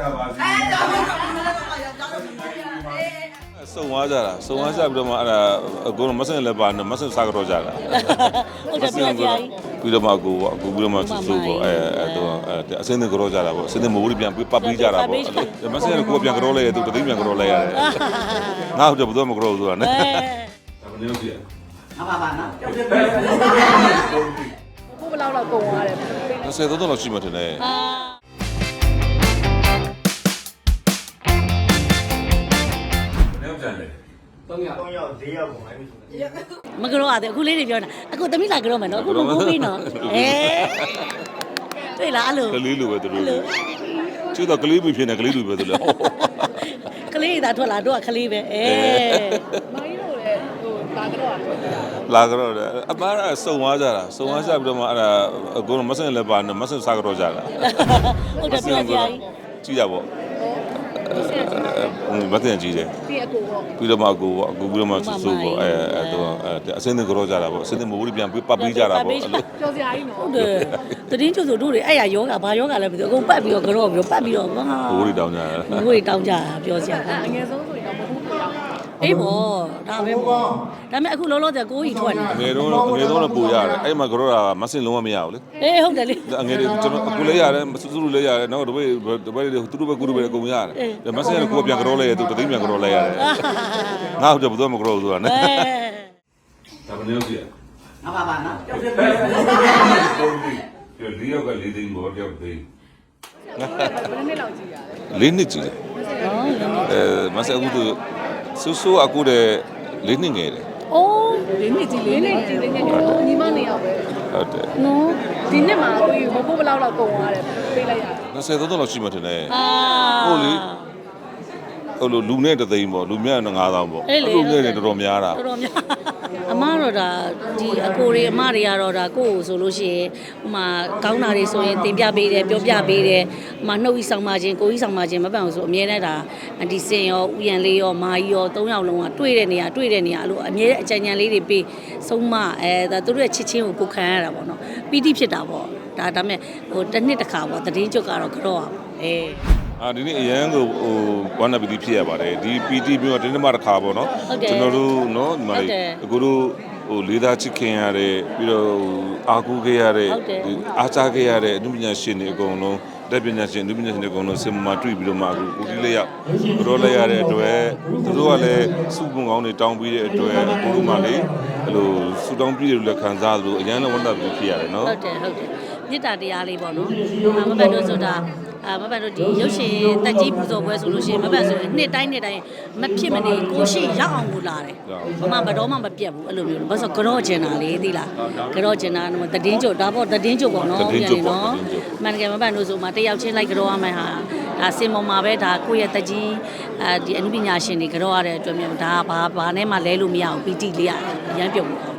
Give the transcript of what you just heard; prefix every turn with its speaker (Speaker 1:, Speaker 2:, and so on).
Speaker 1: 送我家了，送我家不着嘛，过了没生来办的，没生啥个着家了。不着嘛，不着嘛，收过，都，现在个着家了不？现在没屋里边把皮家了不？没生来过边个着来，都这边个着来呀。那就不多么个着做呢。
Speaker 2: 阿爸爸呢？
Speaker 3: 不不老老公啊嘞。
Speaker 1: 那谁都老去嘛，真的。
Speaker 4: မကြောရတယ်အခုလေးတွေပြောတာအခုသမီးလာကြောမယ်နော်အခုမကိုးပြီးနော်တွေ့လားအဲ့လို
Speaker 1: ကလေးလိုပဲသူတို့ကျတော့ကလေးမဖြစ်နေကလေးလိုပဲသူတို့
Speaker 4: ကလေးသာထွက်လာတော့ကလေးပဲ
Speaker 3: မိုင်းတို့လည်းဟိုလာကြောอ่ะ
Speaker 1: လာကြတော့အမားကစုံသွားကြတာစုံသွားကြပြီးတော့မှအဲ့ဒါကိုမဆင်လည်းပါနေမဆင်စားကြတော့ကြတာ
Speaker 4: ဟုတ်တယ်ပြောကြကြီး
Speaker 1: ကြည့်ရပေါ့မတင်ကြည့်တယ်
Speaker 3: ဒီအကိုပေါ့
Speaker 1: ပြီးတော့မှအကူပြီးတော့မှစိုးပေါ့တော့အစင်းတွေကြောကြတာပေါ့အစင်းတွေမဟုတ်ဘူးပြန်ပတ်ပြီးကြတာပေါ့အဲ့လို
Speaker 3: ကြော်စရာကြီးနော်
Speaker 4: ဟုတ်တယ်တည်င်းကျဆိုတို့တွေအဲ့ရယောဂဘာယောဂလဲမသိဘူးအကုန်ပတ်ပြီးတော့ကြောပြီးပတ်ပြီးတော့ဟာ
Speaker 1: ဘိုးတွေတောင်းကြတာ
Speaker 4: ဘိုးတွေတောင်းကြပြောစရာ
Speaker 3: အငယ်ဆုံးဆိုရင်တော့မဟုတ်ဘူးတော့
Speaker 4: အေးပေါ့ဒါပဲပေါ့ဒါပေမဲ့အခုလောလောဆယ်ကိုကြီးထွက်နေ
Speaker 1: အငယ်တော့ပူရတယ်အဲ့မှာကြောတာမဆင်လုံးဝမရဘူးလေ
Speaker 4: အေးဟုတ်တယ်လေ
Speaker 1: အငယ်တွေကျွန်တော်အခုလေးရတယ်စုစုလေးရတယ်နောက်တစ်ပတ်တွေသူတို့ပဲကူတို့ပဲအကုန်ရတယ်မဆင်ကကိုပြန်ကြောလဲသူတသိန်းပြန်ကြောလဲရတယ်ငါ့တော့ဘယ်တော့မကြောဆိုတာနဲ့ဒါမနေလို့ပြ
Speaker 2: 阿爸爸呢？
Speaker 1: ဒီရောက်က၄သိန်းဘောတယောက်သိန်း
Speaker 3: ဘယ်နှစ်လောက်ကြည့်ရလဲ
Speaker 1: ၄နှစ်ကြည့်တယ်မဆင်အခုသူဆူဆူအခုတည်း၄နှစ်ငယ်တယ်
Speaker 4: အိုး
Speaker 3: လေးနှစ်ကြည့်လေးနှစ်ကြည့်လေးနှစ်ညီမနေရောက်ပဲ
Speaker 1: ဟုတ်တယ်
Speaker 3: နော်ဒီနှစ်မှာကိုကြီးမဖို့ဘလောက်လောက်ကုန်သွားတယ်ပေးလိုက်ရတယ်
Speaker 1: 20တော့လောက်ရှိမှထင်တယ်
Speaker 4: အာ
Speaker 1: ဟုတ်လေဟိုလိုလူနဲ့တသိန်းပေါ့လူမြတ်9000ပေါ့လူငယ်တွေတော်တော်များတာ
Speaker 4: တော်တော်များအမတော့ဒါဒီအကိုတွေအမတွေကတော့ဒါကိုယ့်ကိုဆိုလို့ရှိရင်ဟိုမှာကောင်းတာတွေဆိုရင်တင်ပြပေးတယ်ပြောပြပေးတယ်ဟိုမှာနှုတ်ဤဆောင်ပါခြင်းကိုကြီးဆောင်ပါခြင်းမပန်ဘူးဆိုအမြဲတမ်းဒါအန်တီစင်ရောဥယျာဉ်လေးရောမာကြီးရော၃ယောက်လုံးကတွေ့တဲ့နေရာအဲ့လိုအမြဲအကြံဉာဏ်လေးတွေပေးဆုံးမဒါသူတို့ရဲ့ချစ်ချင်းကိုခံရတာပေါ့နော်ပီတိဖြစ်တာပေါ့ဒါမဲ့ဟိုတစ်နှစ်တစ်ခါပေါ့သတင်းကြွကတော့ကြောက်အောင်
Speaker 1: ဒီနေ့အရန်ကိုဟိုဝမ်းနပီတိဖြစ်ရပါတယ်ဒီ PT မျိုးတင်းတင်းမတစ်ခါပေါ့နော်ကျွန်တော်တို့နော်ဒီမှာအခုတို့ဟိုလေးသားချစ်ခင်ရတဲ့ပြီးတော့အာကူခဲ့ရတဲ့အားချခဲ့ရတဲ့အနုပညာရှင်တွေအကုန်လုံးတက်ပညာရှင်အနုပညာရှင်တွေအကုန်လုံးစင်မာတွေ့ပြီးတော့မှအခုကိုတီးလေးရောက်ကြောလိုက်ရတဲ့အတွက်သူတို့ကလည်းစုပုံကောင်းတွေတောင်းပြီးတဲ့အတွက်အခုတို့မှလေအဲ့လိုစူတောင်းပြီးတယ်လို့ခံစားလို့အရန်လည်းဝမ်းနပီတိဖြစ်ရတယ်နော်
Speaker 4: ဟုတ်တယ်မေတ္တာတရားလေးပေါ့နော်မပန်တို့ဆိုတာမပန်တို့ဒီရုပ်ရှင်တက်ကြီးပူဇော်ပွဲဆိုလို့ရှိရင်မပန်ဆိုရင်နှစ်တိုင်းမဖြစ်မနေကိုရှိရောက်အောင်ကိုလာတယ်ဘာမှဘတော်မှမပြတ်ဘူးအဲ့လိုမျိုးဘာလို့ကြောကျင်တာလေသိလားကြောကျင်တာတည်င်းကြဒါပေါ့တည်င်းကြပေါ့နော်ပြန်နေနော်မှန်တကယ်မပန်တို့ဆိုမှတယောက်ချင်းလိုက်ကြောရမယ်ဟာဒါစင်ပေါ်မှာပဲဒါကိုယ့်ရဲ့တက်ကြီးဒီအနုပညာရှင်တွေကြောရတဲ့အတွက်မျိုးဒါဘာနဲ့မှလဲလို့မရဘူးပီတိလေးရတယ်အရန်ပြုတ်